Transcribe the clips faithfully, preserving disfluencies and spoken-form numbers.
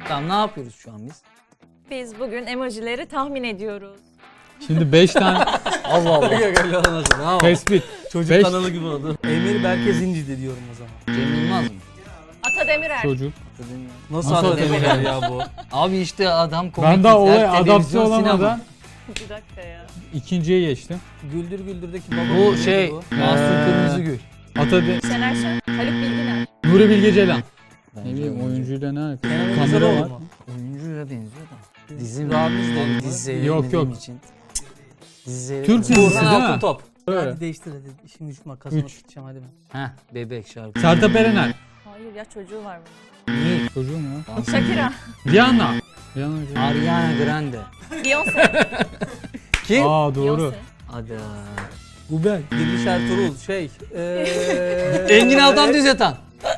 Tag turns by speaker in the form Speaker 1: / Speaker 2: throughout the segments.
Speaker 1: Tamam, ne yapıyoruz şu an biz?
Speaker 2: Biz bugün emojileri tahmin ediyoruz.
Speaker 3: Şimdi beş tane
Speaker 1: Allah Allah. Öyle olmasın. Tamam.
Speaker 3: tespit.
Speaker 4: Çocuk
Speaker 3: Beş-
Speaker 4: kanalı gibi oldu. Emir Berke Zincidi diyorum o zaman.
Speaker 1: Cem Yılmaz mı?
Speaker 2: Ata Demirer.
Speaker 3: Çocuk.
Speaker 4: Nasıl,
Speaker 3: Nasıl
Speaker 4: Nasıl
Speaker 3: Atademir
Speaker 4: ya bu?
Speaker 1: Abi işte adam komik.
Speaker 3: Ben daha olaya
Speaker 1: izler,
Speaker 3: adapte
Speaker 1: televizyon,
Speaker 3: olamadan
Speaker 1: sinema.
Speaker 2: Bir dakika ya.
Speaker 3: ikinciye geçtim.
Speaker 4: Güldür Güldür'deki baba.
Speaker 1: Bu
Speaker 4: neydi
Speaker 1: şey,
Speaker 4: bu?
Speaker 1: Mahsun
Speaker 3: Ee,
Speaker 1: Kırmızıgül.
Speaker 3: Atade
Speaker 2: Şener Şen, Haluk Bilginer.
Speaker 3: Nuri Bilge Ceylan.
Speaker 1: Bence
Speaker 3: Ne bileyim oyuncuyla ne alakası?
Speaker 4: Kenan
Speaker 3: Kamera
Speaker 4: İmirzalıoğlu
Speaker 3: var.
Speaker 4: mu?
Speaker 1: Oyuncuyla benziyor da. Dizi
Speaker 4: Ramiz de
Speaker 1: Abi
Speaker 4: mi?
Speaker 1: dizi
Speaker 3: Yok,
Speaker 1: seyretmediğim
Speaker 3: yok.
Speaker 1: için. Dizi seyretmedim.
Speaker 3: Türk dizisi
Speaker 4: Burhan
Speaker 3: değil mi?
Speaker 4: Altıntop.
Speaker 3: Öyle.
Speaker 4: Hadi değiştir hadi. İşim gücüm var. Kazanıp
Speaker 3: Üç.
Speaker 4: gideceğim hadi ben.
Speaker 1: Heh, bebek şarkı.
Speaker 3: Sertab Erener.
Speaker 2: Hayır ya, çocuğu var bunun.
Speaker 1: Niye?
Speaker 3: Çocuğum ya.
Speaker 2: Shakira.
Speaker 3: Rihanna. Rihanna.
Speaker 1: Ariana Grande.
Speaker 2: Beyoncé.
Speaker 1: Kim?
Speaker 3: Aa doğru.
Speaker 2: Beyoncé.
Speaker 1: Hadi.
Speaker 4: Bu ben. Diriliş Ertuğrul şey. Eee...
Speaker 1: Engin Altan Düz Yatan.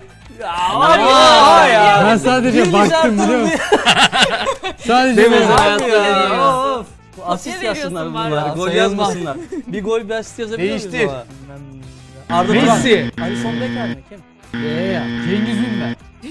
Speaker 4: Var ya. ya.
Speaker 3: Ben sadece
Speaker 4: Diriliş
Speaker 3: baktım biliyor
Speaker 4: Ertuğrul
Speaker 3: musun? Sadece
Speaker 1: Demez
Speaker 3: böyle.
Speaker 1: hayatta
Speaker 4: Abi ya.
Speaker 1: ya.
Speaker 4: Of. Bu asist
Speaker 2: veriyorsun
Speaker 4: yazsınlar
Speaker 2: bari.
Speaker 4: bunlar. Gol
Speaker 1: Sayılmaz.
Speaker 4: yazmasınlar. Bir gol bir asist yazabilir miyiz
Speaker 1: Değiştir.
Speaker 4: baba? Arda
Speaker 3: Messi.
Speaker 4: Turan. Alisson Becker mi? Kim?
Speaker 1: Yeah.
Speaker 3: Cengiz Ünder.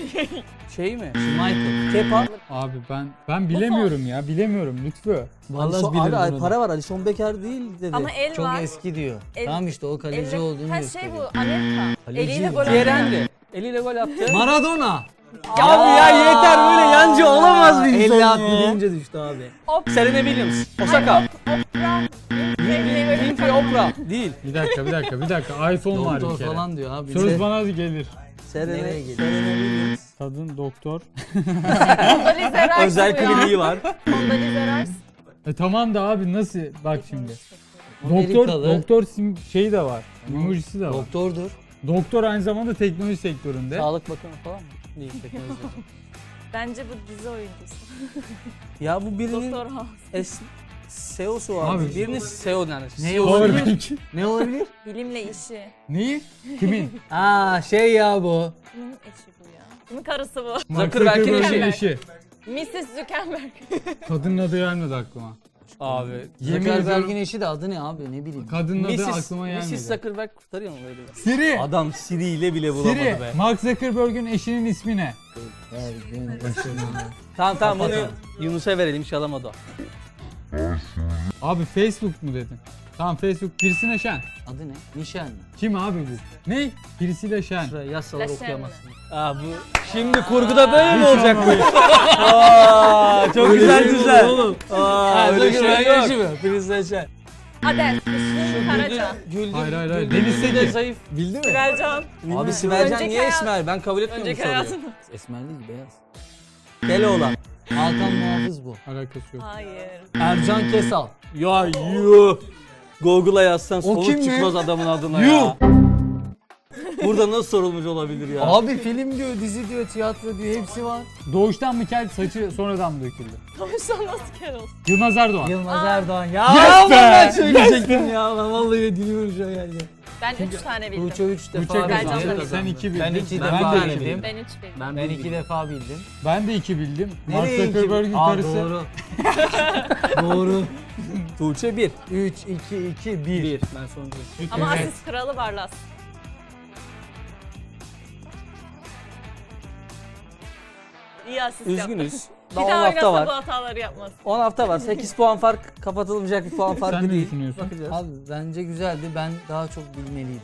Speaker 4: Şey mi?
Speaker 1: Michael.
Speaker 4: Kepa.
Speaker 3: Abi ben ben bilemiyorum ya bilemiyorum lütfü.
Speaker 1: Vallahi
Speaker 4: Alisson,
Speaker 1: bilirim
Speaker 4: abi,
Speaker 1: bunu.
Speaker 4: para var. Alisson Becker değil dedi.
Speaker 2: Ama el
Speaker 1: Çok
Speaker 2: var.
Speaker 1: eski diyor.
Speaker 2: El-
Speaker 1: Tamam işte o kaleci
Speaker 2: Elle-
Speaker 1: olduğunu
Speaker 2: Her şey
Speaker 1: gösteriyor.
Speaker 2: bu. Anelka.
Speaker 1: Kaleci
Speaker 2: Eliyle
Speaker 1: mi?
Speaker 2: gol
Speaker 4: Thierry
Speaker 2: atıyor.
Speaker 4: Henry. Eliyle gol attı.
Speaker 1: Maradona.
Speaker 4: Abi ya yeter böyle yancı olamaz bir insan
Speaker 1: elli
Speaker 4: ya.
Speaker 1: attı deyince düştü abi.
Speaker 2: Op-
Speaker 4: Serena Williams. Osaka.
Speaker 2: Opera.
Speaker 4: Winfrey Oprah. Değil.
Speaker 3: Bir dakika bir dakika bir dakika iPhone var
Speaker 1: Doktor
Speaker 3: bir kere.
Speaker 1: falan diyor abi.
Speaker 3: Söz bana hadi gelir.
Speaker 4: Serena,
Speaker 1: Nereye gidiyor?
Speaker 4: Serena Williams.
Speaker 3: Kadın doktor.
Speaker 2: Kondolize Rice
Speaker 4: Özel
Speaker 2: bu ya.
Speaker 4: kliniği var.
Speaker 2: Kondolize Rice.
Speaker 3: E tamam da abi nasıl bak şimdi. Doktor
Speaker 1: Amerikalı.
Speaker 3: doktor sim şeyi de var. Emojisi de var.
Speaker 1: Doktordur.
Speaker 3: Doktor aynı zamanda teknoloji sektöründe.
Speaker 4: Sağlık Bakanı falan mı? Değil teknoloji.
Speaker 2: Bence bu dizi oyuncusu.
Speaker 4: Ya bu birinin
Speaker 2: Doktor House.
Speaker 4: es S E O'su var.
Speaker 3: Abi.
Speaker 4: Birinin S E O yani.
Speaker 1: Ne
Speaker 3: Powerbank.
Speaker 1: Ne olabilir?
Speaker 2: Bilimle işi.
Speaker 3: Neyi? Kimin?
Speaker 1: Aa şey ya bu.
Speaker 2: Kimin eşi bu ya? Kimin karısı bu?
Speaker 3: Mark
Speaker 4: Zuckerberg'in
Speaker 3: Zuckerberg'in
Speaker 2: eşi.
Speaker 3: eşi.
Speaker 2: missus Zuckerberg.
Speaker 3: Kadının adı gelmedi aklıma.
Speaker 4: Abi.
Speaker 3: Yemin
Speaker 1: Zuckerberg'in
Speaker 3: ediyorum
Speaker 1: eşi de adı ne abi ne bileyim.
Speaker 3: kadının adı
Speaker 4: missus
Speaker 3: aklıma gelmedi.
Speaker 4: missus Zuckerberg kurtarıyor mu böyle?
Speaker 3: Siri.
Speaker 4: Adam Siri ile bile bulamadı
Speaker 3: Siri.
Speaker 4: be.
Speaker 3: Mark Zuckerberg'in eşinin ismi ne?
Speaker 1: Her gün başına.
Speaker 4: Tamam tamam bunu Yunus'a verelim hiç alamadı o.
Speaker 3: Abi Facebook mu dedin? Tamam Facebook. Pirsi Neşen.
Speaker 1: Adı ne? Nişan mı?
Speaker 3: Kim abi bu? Ne? Pirsi Neşen.
Speaker 4: Şuraya yazsalar
Speaker 2: Laşen
Speaker 4: okuyamazsın. Aa bu şimdi kurguda böyle mi
Speaker 3: Hiç
Speaker 4: olacak bu?
Speaker 3: olmadı.
Speaker 4: Aa çok
Speaker 1: Öyle
Speaker 4: güzel
Speaker 1: şey mi
Speaker 4: güzel.
Speaker 1: olur oğlum?
Speaker 4: Aa öyle şey
Speaker 1: Zuckerberg'in
Speaker 4: yok.
Speaker 1: eşi mi? Filiz Neşen.
Speaker 2: Adel. Işın Karaca.
Speaker 4: Güldür,
Speaker 3: Hayır, hayır, hayır.
Speaker 4: Güldür,
Speaker 3: Deniz
Speaker 4: Güldür de
Speaker 3: Seki.
Speaker 4: zayıf.
Speaker 1: Bildi mi?
Speaker 2: Sibelcan.
Speaker 4: Abi Sibelcan
Speaker 2: Önceki
Speaker 4: niye
Speaker 2: hayat-
Speaker 4: esmer? Ben kabul etmiyorum
Speaker 2: Önceki
Speaker 4: bu soruyu.
Speaker 2: hayatını.
Speaker 1: Esmer değil beyaz.
Speaker 4: Keloğlan.
Speaker 1: Hakan Muhafız bu.
Speaker 3: Alakası yok.
Speaker 2: Hayır.
Speaker 1: Ercan Kesal.
Speaker 4: Ya yuh. Google'a yazsan soluk
Speaker 1: kim mi?
Speaker 4: çıkmaz adamın adına ya. Burada nasıl sorulmuş olabilir ya?
Speaker 1: Abi film diyor, dizi diyor, tiyatro diyor hepsi var.
Speaker 3: Doğuştan mı kel saçı sonradan mı döküldü?
Speaker 2: Konuşsan nasıl kere olsun?
Speaker 3: Yılmaz Erdoğan.
Speaker 1: Yılmaz
Speaker 2: Aa.
Speaker 1: Erdoğan. Ya
Speaker 3: Yes
Speaker 1: ama
Speaker 3: be!
Speaker 1: ben söyleyecektim ya. Ben vallahi diliyorum şu an yani.
Speaker 2: Ben üç tane bildim.
Speaker 1: Tuğçe üç defa
Speaker 3: Bıçak
Speaker 2: Ercan
Speaker 3: kazandı.
Speaker 2: kazandı.
Speaker 3: Sen iki bildin.
Speaker 1: Ben iki
Speaker 3: ben
Speaker 1: defa
Speaker 3: de
Speaker 1: bildim.
Speaker 3: iki bildim.
Speaker 2: Ben üç bildim.
Speaker 4: Ben,
Speaker 1: Ben
Speaker 4: bir
Speaker 1: iki
Speaker 4: bildim.
Speaker 1: defa bildim.
Speaker 3: Ben de iki bildim. Mark
Speaker 1: Nereye iki?
Speaker 3: Zuckerberg'in
Speaker 1: Aa,
Speaker 3: karısı.
Speaker 1: doğru. Doğru.
Speaker 4: Tuğçe bir.
Speaker 1: üç, iki, iki, bir.
Speaker 4: Bir. Ben sonuncu.
Speaker 2: Ama
Speaker 3: Evet.
Speaker 2: asist kralı Barlas. İyi asist yaptı.
Speaker 4: Üzgünüz.
Speaker 2: Bir
Speaker 4: Daha on
Speaker 2: daha
Speaker 4: hafta
Speaker 2: oynasa bu
Speaker 4: var.
Speaker 2: hataları yapmaz.
Speaker 4: on hafta var. sekiz puan fark kapatılmayacak bir puan farkı
Speaker 3: Sen ne
Speaker 4: değil.
Speaker 3: düşünüyorsun?
Speaker 4: Bakacağız.
Speaker 1: Abi bence güzeldi. Ben daha çok bilmeliydim.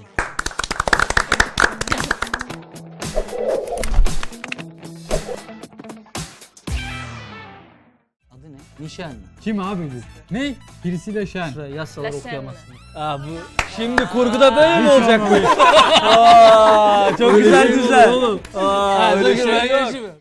Speaker 1: Adı ne? Nişan mı?
Speaker 3: Kim abi bu? Ne? Pirsi Neşen.
Speaker 4: Şuraya yazsalar
Speaker 2: Laşen
Speaker 4: okuyamazsın. Aa bu şimdi kurguda böyle mi
Speaker 3: Hiç
Speaker 4: olacak bu?
Speaker 3: olmadı.
Speaker 4: Aa çok güzel
Speaker 1: şey mi
Speaker 4: güzel.
Speaker 1: olur oğlum?
Speaker 4: Aa öyle şey
Speaker 1: Zuckerberg'in
Speaker 4: yok.
Speaker 1: eşi mi?